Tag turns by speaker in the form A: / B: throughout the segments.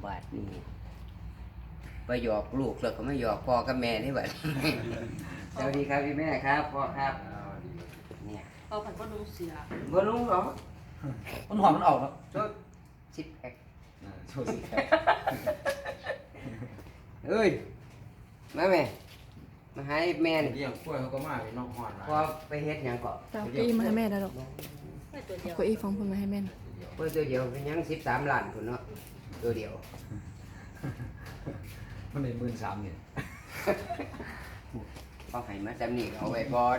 A: บาดนี่ไปหยอกลูกแล้วก็ไม่หยอกพ่อกับแม่นี่บัด สวัสดีครับพี่แม่ครับพ่อครับเนี่ย
B: เอาผันก็นุ่งเสีย
A: บ่รู้หรอก
C: มันหอมมันออกเนาะ
A: โชดซิปแพค
C: โชว์สิ
A: เอ้ยมาแม่มาหาไอ้แม่นี่
C: เลี้ยงกล้วยเขาก็มาเป็นน้องหอน
A: พอไปเฮ็ดหยังก็
D: จะเอาเก้าอี้มาให้แม่ได้หรอก
B: ไม่ตัวเดียว
D: เก้าอี้ฟังคุณมาให้แม่หน่อย
A: เพิ่นตัวเดียวเป็นหยัง13ล้านพุ่นเนาะตัวเดียว
C: มันใน13,000เนี่ย
A: พอให้มาจำนี่ก็เอาไว้ก่อน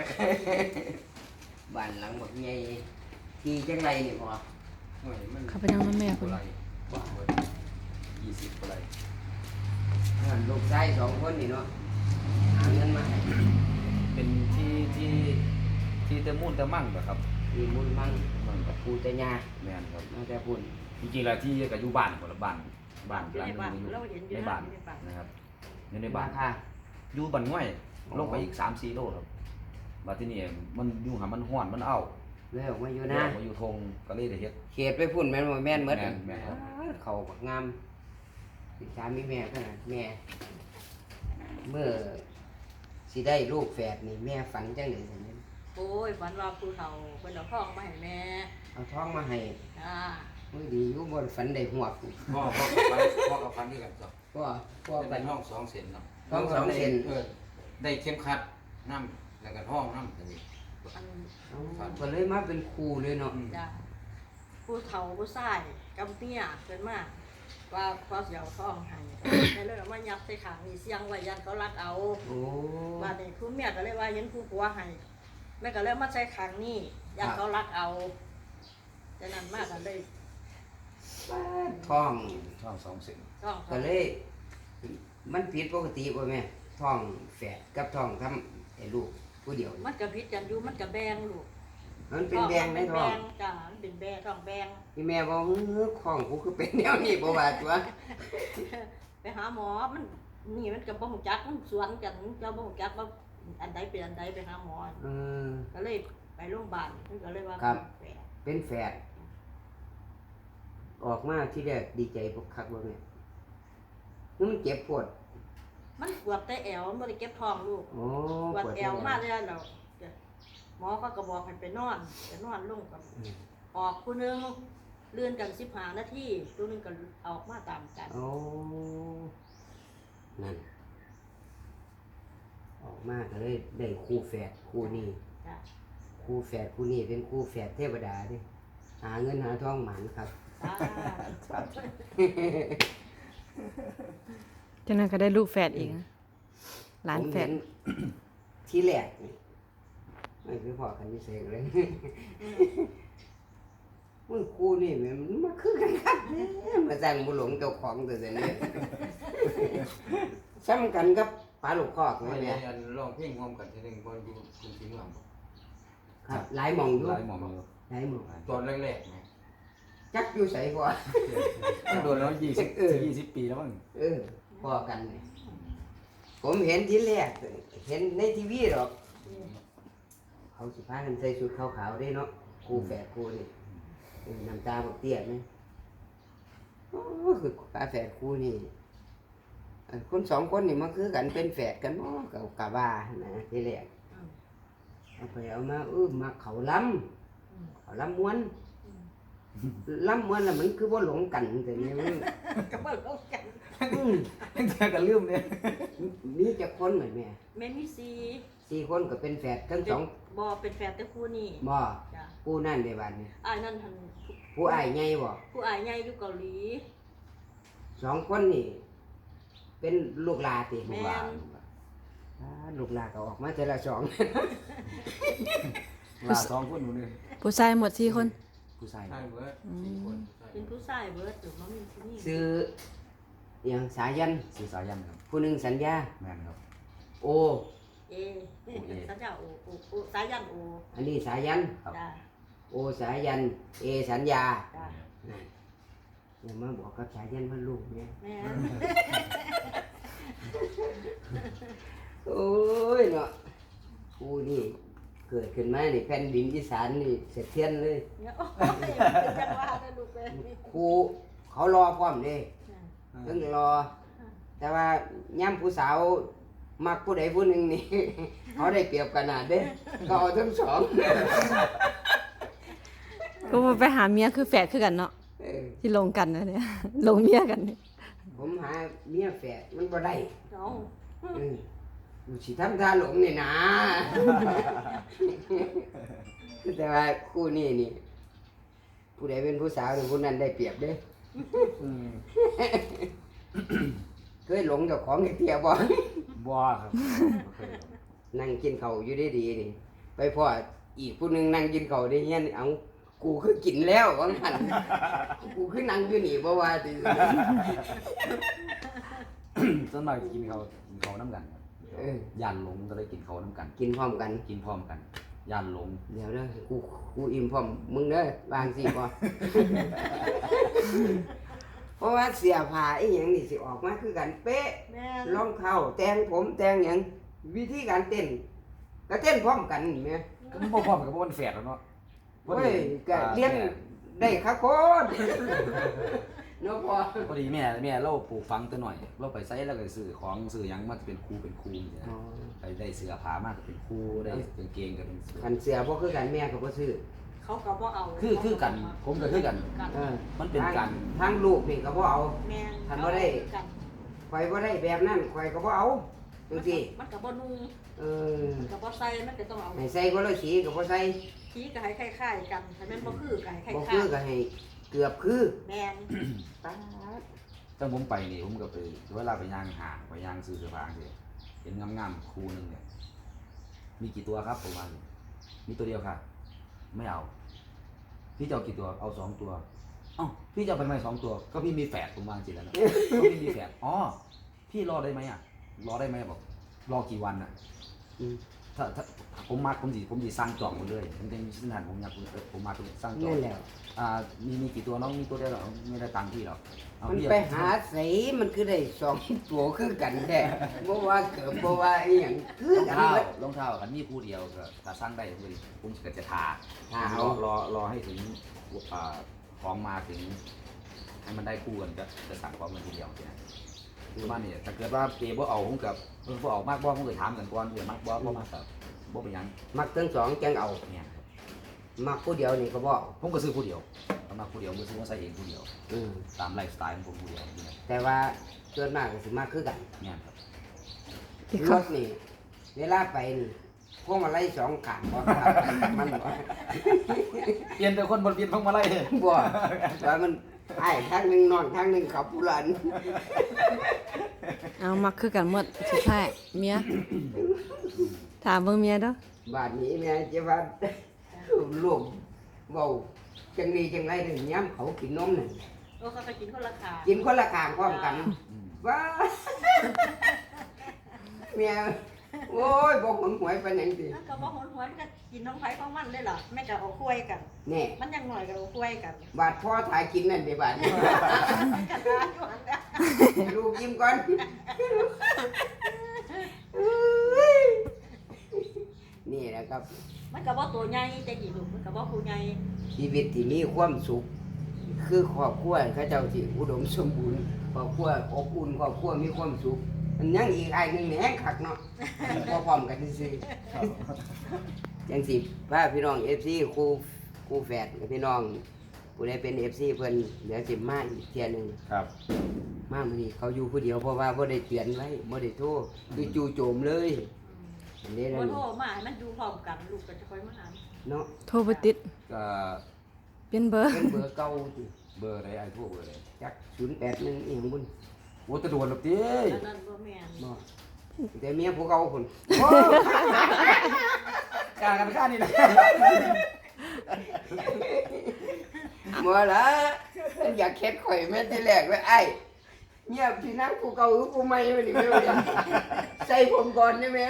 A: บ้านหลังบักใหญ่ที่จังไรนี่พ่อ
C: โอ้ยมัน
D: เขาไปนั่งน้ำแม่คุณ
C: 20กว่าไร
A: นั่นลูกชาย2คนนี่เนาะหาเงินมาให้
C: เป็นที่เตมูนเตมั่งแบบครับ
A: มีมุนมั่ง
C: มันกับ
A: ปูแต่ยา
C: แม่นครับ
A: มาแต่พุ่น
C: จริงๆแล้วที่ก็อยู่บ้านคนละบ้านบ้าน
B: อยู่ในบ้าน
C: หลัง
B: เรา
C: นึง
B: เห็นอ
C: อยู่ ยู่ใน
B: บ้า
C: บ้าน น
B: ในบ้าน
C: นะครับอยู่ในบ้าน
A: ค่ะ
C: อยู่บ้านง่อยลงไปอีก3-4 โลครับมาที่นี่มันอยู่หามันห้อนมันเอา
A: เลยออกมาอยู่
C: เดี๋
A: นะ
C: ยวมาอยู่ทงก็เลยได้เฮ็ด
A: เขตไปพุ่นแม่นบ่แม่นหมด
C: แม่นครับ
A: เขาบักงามสิสามีแม่ขนาดแม่ เมื่อสิได้ลูกแฝดนี่แม่ฝันจังได๋ซั่นนี่
B: โอ้ยฝันว่าผู้เฒ่าเพิ่นเอาทองมาให้แม่
A: เอาท้องมาให้
B: จ้า
A: มื้อดีอยู่บ่ฝันได้หวก
C: พ่อกับฟันด้วยกันจ้ะ
A: ก็พ่อ
C: เป็
A: ฝัน
C: นห้อง2 เซนเนาะ
A: ห้อง2เซน
C: ได้เข้มขัดน้ำแล้วก็ห้องน้ำตัวนี้
B: อัน
A: ก็เลยมาเป็นครูเลยเนาะ
B: จ้าผู้เฒ่าผู้ชายกำเตี้ยเพิ่นมาว่าพอสิเอาทองให้แต่เลยเอามายัดใส่ขังนี่เสียงไว้ยันเขารัดเอา
A: โอ้
B: ว่านี่ผู้เมียก็เลยว่าเห็นผู้ผัวให้แม่ก็เลยมาใส่ขังนี่ยันเขารัดเอาแต่นั้นมากก็เลย
A: ท้อง
C: ห้อง2 เซน
B: ทอง
A: ก็เลย มันผิดปกติบ่แม่ท้องแฝดกับท้องทำไอ้ลูกผู้เดียว
B: มันก็พิษกันอยู่มันก็แบงลูก
A: มันเป็นแบงในท้อง
B: จ้ามันเป็นแบงท้องแบง
A: พี่แม่บอกของกูคือเป็นแนวนี้บ่ว่าตัว
B: ไปหาหมอมันนี่มันกับบ่ฮู้จักมันสวนกันเจ้าบ่ฮู้จักว่าอันใดเป็นอันใดไปหาหมอ
A: เออ
B: ก็เลยไปโรงพยาบาลเพิ่นก็เลยว่า
A: ครับ
B: แผล
A: เป็นแฝดออกมาที่แรกดีใจพวกคักบ่แม่มันเจ็บปวด
B: มันปวดแต่แอวมันบ่ได้เก็บท้องลูก
A: โอ้
B: ปวดแอวมากเลยแล้วหมอก็บอกให้ไปนอนลงกับออกผู้หนึงเลื่อนกัน15 นาทีผู้หนึงก็ออกมาตามกัน
A: โอ้นั่นออกมาก็เลยได้คู่แฝดคู่นี้
B: จ้ะ
A: คู่แฝดคู่นี้เป็นคู่แฝดเทวดาเดิหาเงินหาทองหมันครับ
B: จ้า
D: จากนั้นก็ได้ลูกแฝดอีกนะหลาน
A: ผม
D: แฝ
A: เห็
D: ด
A: นที่แรกนี่ไม่คือพอกันที่เสกเลย มึงกูนี่แม่มันมาคือกันครับเนี่ยมาสั่งบุหลงเจ้าของตัวเสียเนี่ย ซ้ำกันกับปลาลูกคอกนี่
C: ไม่
A: แห
C: ได้
A: ละ
C: อันร้องเพลงร่วมกันทีนึงบนอยู่คุณสิงห์ลำ
A: ครับหลายหมองอยู่
C: หลายหมองอยู่
A: หลายหมอง
C: ตอนแรกๆนะ
A: จักอยู่ใส่กว่า
C: โดนแล้ว20 ปีแล้วมั้ง
A: เออพอกันเนี่ยผมเห็นที่แรกเห็นในทีวีหรอกเขาสิพากันใส่ชุดขาวๆได้เนาะกูแฝดกูนี่น้ำตาบกเตี้ยไหมโอ้คือปลาแฝดกูนี่อันคน2 คนนี่มันคือกันเป็นแฝดกันบ่กับกะว่านะที่แรกเอาไปเอามามาเขาล้ำเขาล้ำม้วนล้ำม้วนแล้วมันคือว่าหลงกันแต่นี่มัน
B: ก็บ่รู้กัน
A: อืม
C: ตั้งแต่กันลืมเนี่ย
A: มีจะคนเหมือนแม่
B: แม่มี4
A: 4 คนก็เป็นแฝดทั้งสอง
B: บ่เป็นแฟนแต่คู่นี้
A: บ่
B: จ้ะ
A: ผู้นั่นในบ้านนี่
B: อ้ายนั่นหัน
A: ผู้อ้ายใหญ่บ่
B: ผู้อายใหญ่อยู่เกาหลี
A: 2 คนนี่ เป็นลูกหลาติ
B: แม่
A: ลูกหลาก็ออกมาแต่ละ2
C: ลา2 คนอยู่นี่
D: ผู้ชายหมด4 คน
C: ผู้ชายใช่เบิร์ด4 คน
B: เป็นผู้ชายเบิดอยู่มันมีผู้หญิง
A: ซื้ออหยังสายัน
C: สื่อสายันครับ
A: ผู้หนึงสัญญา
C: แม่นครับ
A: โอ
B: เอสัญญาโอสายันโอ
A: อันนี้สายัน
B: จ้า
A: โอสายัน เอสัญญา
B: จ้า
A: นั่นอย่ามาบอกกับสายันว่าลูกเนี่ย
B: แม่
A: โอ้ยเนาะกูนี่เกิดขึ้นมานี่แผ่นดินอีสานนี่เสถียรเลย
B: เนี่ยโอ้ยเป็นจังหวะนะลูกเอ้ย
A: ครูเขารอพร้อมเด้
B: จ้ะ
A: เพิ่งรอ แต่ว่าย่ำผู้สาวมักผู้ใดผู้หนึ่งนี่ เขาได้เปรียบขนาดเด้ก็เอาทั้งสอง
D: ก็ว่าไปหาเมียคือแฝดคือกันเนาะ
A: เออ
D: ที่ลงกันนะเนี่ย ลงเมียกันเนี่ย
A: ผมหาเมียแฝดมันบ่ได้
B: เอา
A: อยู่สิทำท่าหลงนี่นะ แต่ว่าคู่นี้นี่ ผู้ใดเป็นผู้สาวนี่ผู้นั้นได้เปรียบเด้ เคยหลงเจ้าของไอ้เตี้ยบ่
C: บ่ครับบ่เคยครับ
A: นั่งกินข้าวอยู่ดีๆนี่ ไปพ่ออีกผู้หนึงนั่งกินข้าวได้เฮียนเอากูคือกินแล้วว่างั้น กูคือนั่งอยู่นี่บ่ว่าติ
C: ส่วนมากกินเขาวน้ำกันครับ
A: เออย่
C: านหลงก็เลยกินเขาวน้ำกัน
A: กินพร้อมกัน
C: กินพร้อมกันย่านหลง
A: เดี๋ยวเด้อกูอิ่มพร้อมมึงเด้อวางสิบ่ เพราะว่าเสียผ้าอีหยังนี่สิออกมาคือกันเป๊ะ
B: แม่น
A: รองเท้าแต่งผมแต่งหยังวิธีการเต้นก็เต้นพร้อมกันนี่แหม
C: ก็มันบ่พร้อมกับบ่มันแฝดแล้วเนาะ
A: โอ้ยก็เรียนได้ครับโคตร เนาะพ่อ
C: พอดีแม่เราปลูกฝังตัวหน่อย เราไปไสแล้วก็ซื้อของซื้อหยังมาเป็นครูนี่นะไปได้เสื้อผ้ามาก็เป็นครูได้กางเกงก็เป็นเสื้อ
A: คันเสียบ่คือกันแม่ก็บ่ซื้อ
B: เขาก็บ่เอา
C: คือกันผมก็คือกัน
A: เออ
C: มันเป็นการ
A: ทางลูกนี่ก็บ่เอา
B: แม่น
A: คันบ่ได้
B: กัน
A: ข่อยบ่ได้แบบนั้นข่อยก็บ่เอาจังซี่
B: มันก็บ่นุ่ง
A: เออ
B: มันก็บ่ใส่มันก็ต้องเอา
A: ให้ใส่คนละสีก็บ่ใส่
B: สีก็ให้คล้ายๆกันถ้าแม่นบ่คือก็ให้คล้า
A: บ่
B: ย
A: คือก็ให้เกือบคือ
B: ๆแม่น
A: ตาด
C: ตั้งผมไปนี่ผมก็ไปเวลาไปย่างห้างไปย่างซื้อเสื้อผ้าสิเห็นงามๆคู่หนึงเนี่ยมีกี่ตัวครับผมว่ามีตัวเดียวค่ะ ไม่เอา พี่จะเอากี่ตัวเอา2 ตัวเอ้าพี่จะเอาไปไหม2 ตัวก็พี่มีแฝดผมวางจิตแล้วนะก็พี่มีแฝดอ๋อพี่รอได้ไหมอ่ะรอได้ไหมบอกรอกี่วันอ่ะ
A: อืม
C: ถ้าผมมักผมสิสร้างจองหมดเลยผมจะมีพื้นฐานผมอยากผมมักสร้างจอง
A: นั่นแหละ
C: มีกี่ตัวน้องมีตัวเดียวเหรอไม่ได้ตังค์พี่หรอกเอา
A: มัน
C: พี่
A: ไปหาสีมันคือได้สองตัวคือกันแท้บ่ว่าเกือบบ่ว่าอีหยังคือ
C: รอง
A: กัน
C: เท้า
A: เบิด
C: รองเท้ากันมีคู่เดียวก็ถ้าสร้างได้ผมก็จะทา
A: ทาเอา
C: รอให้ถึงของมาถึงให้มันได้คู่กันจะสั่งพร้อมกันทีเดียวเนี่ยบ้านนี่ถ้าเกิดว่าเอบ่เอาผมกับบ่เอามากบ่ผมก็ถามกันก่อนเดี๋ยวมากบ่มากกับบ่เป็นหยัง
A: มักทั้งสองจังเอา
C: เนี่ยครับ
A: มักผู้เดียวนี่ก็บ่เอา
C: ผมก็ซื้อคู่เดียวผมมาคู่เดียวผมซื้อมาใส่เองคู่เดียว
A: อืม
C: ตามไลฟ์สไตล์ของผมคู่เดียวเนี่ย
A: แต่ว่าส่วนมากก็สิมักคือกัน
C: เนี่ยครับ
D: ที่
A: ร
D: เขา
A: ถนี่เวลาไปนี่พวกมาไล่สองข้างบ่ครับมันบ่
C: เปลี่ยนแต่คนบนเปลี่ยนพวงมาลัย
A: บ่ว่ามันไอ้ทางหนึงนอนทางหนึงขับผู้หลัน
D: เอามักคือกันหมดสุดท้ายเมีย ถามเบิ่งเมียเด้อบ
A: าดนี้แม่จะว่าลูกเว้าจังดีจังไรถึงย้ำเขากินนมนั่น
B: โอ้เขาก็กินคนละขา
A: กินคนละข้างพร้อมกัน
C: อืม
A: ว้าเมียโอ้ยบอกหนหวยไปไหนสิ
B: มันก็บ่หวนๆก็กินน้องไผของมันได้ล่ะแม่ก็เอาคุยกัน
A: แน่
B: มันยังหน่อยก็เอาคุยกัน
A: บาดพ่อถ่ายกินนั่นเดี๋ยวบาดนี้
B: กันได้อยู่หั่นน่ะ
A: ลูกยิ้มก่อนนี่แหละครับ
B: มันก็บ่ตัวใหญ่แต่กี่ลูกมันก็บ่ผู้ใหญ่
A: ชีวิตที่มีความสุข คือครอบครัวเขาเจ้าที่อุดมสมบูรณ์ครอบครัวอบอุ่นครอบครัวมีความสุขมันยังอีกไอ้หนึ่งแหงคักเนาะ พอพร้อมกันซื่อๆจังสิพาพี่น้อง FC ครูแฝดกับพี่น้องผู้ใดเป็น FC เพิ่นเดี๋ยวสิมาอีกเที่ยหนึง
C: ครับ
A: มามื้อนี้เขาอยู่ผู้เดียวเพราะว่าบ่ได้เตือนไว้บ่ได้โทรคือจู่โจมเลยอันนี้
B: บ่
A: นั่น
B: โทรมาให้มันอยู่พร้อมกันลูกก็จะค่อยมาหา
A: เนาะ
D: โทรบ่ติด
C: ก็
D: เปลี่ยนเบอร์
A: เป็นเบอร์เก่าติ
C: เบอร์อะไรไอ้พวกเบอร์อะไร
A: จัก081อีหยังบุญ
C: โอ้ตะโดนหรอกติ
B: อันนั้นบ่แม่น
A: บ่แต่เมียผู้เก่าพุ่น
C: กล้ากันกล้านี่แหละ
A: บ่ล่ะมันอยากเฮ็ดข่อยแม่แต่แรกไว้ไอ้เมียพี่นางผู้เก่าหรือผู้ใหม่มานี่แม่ว่าดิใส่ผมก่อนได้ไหม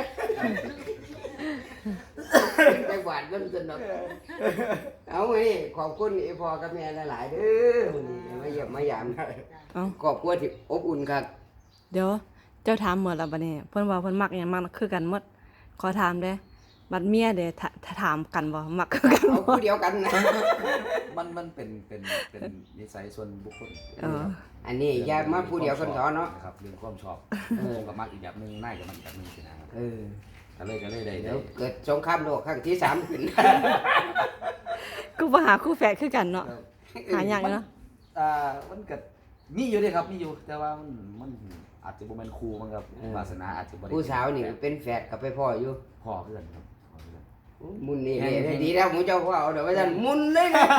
A: ไปหวานกันสนุกเอาไว้ขอบคุณไอ้พ่อกับแม่หลายๆเด้อมื้อนี้มาเยี่ยมมายาม
D: เอ้า
A: ครอบครัวที่อบอุ่นครับ
D: เดี๋ยวเจ้าถามหมดแล้วบัดนี้เพิ่นว่าเพิ่นมักหยังมักคือกันหมดขอถามเด้บัดเมียเด้ถ้าถามกันบ่มักคือกัน
A: เอา
D: บ่
A: ผู้เดียวกันนะ
C: มันเป็นนิสัยส่วนบุคคล
D: เออ
A: อันนี้อย่ามาผู้เดียวกันสอนเนาะ
C: นะครับเรื่องความชอบ
A: เออ
C: ผมก็มักอีกแบบหนึงนายก็มักอีกแบบหนึงสินะครับ
A: เออ
C: ก็เลยได้
A: เดี๋ยวเกิดสงครามโลกครั้งที่ 3ขึ้น
D: กูบ่หาคู่แฝดคือกันเนาะหาหยังเนาะ
C: มันก็มีอยู่เด้ครับมีอยู่แต่ว่ามันอาจจะบ่แม่นครูมันครับวาสนาอาจจะบ่ได้
A: ผู้สาวนี่เป็นแฝดกับไปพ่ออยู่
C: พ่อเพื่อนครับพ่อเพื่อน
A: มุนนี่เลยดีแล้วหมูเจ้าพ่อเอาเดี๋ยวว่าท่านมุนเลยนะ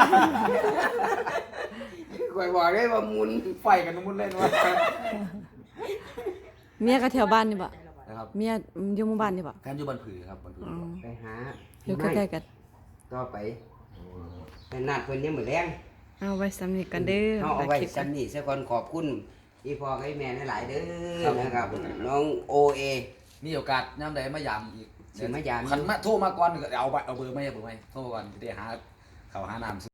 A: คอยบอกเลยว่ามุน
C: ไฟกันมุนเล่นว่า
D: เมียก็แถวบ้านนี่บ่
C: นะครับ
D: เมียอยู่หมู่บ้านนี่บ่
C: แฟนอยู่บ้านผือครับบ้านผือ
D: อ๋อ
A: ไปหา
D: อยู่ใกล้ๆกัน
A: ต่อไปแต่นัดเพิ่นยังมื้อแรง
D: เอาไว้สำนี้กันเด้อ
A: เฮาเอาไว้
D: คลิปกัน
A: ซ้ำนี่ซะก่อนขอบคุณที่พ่อให้แม่หลายๆเด้อนะครับ น้องโอเอ
C: มีโอกาสยามใดมายามอีก
A: สิมายาม
C: คันมาโทรมาก่อนก็เอาเบอร์ไม่โทรมาก่อนสิได้หาข้าวหาน้ำ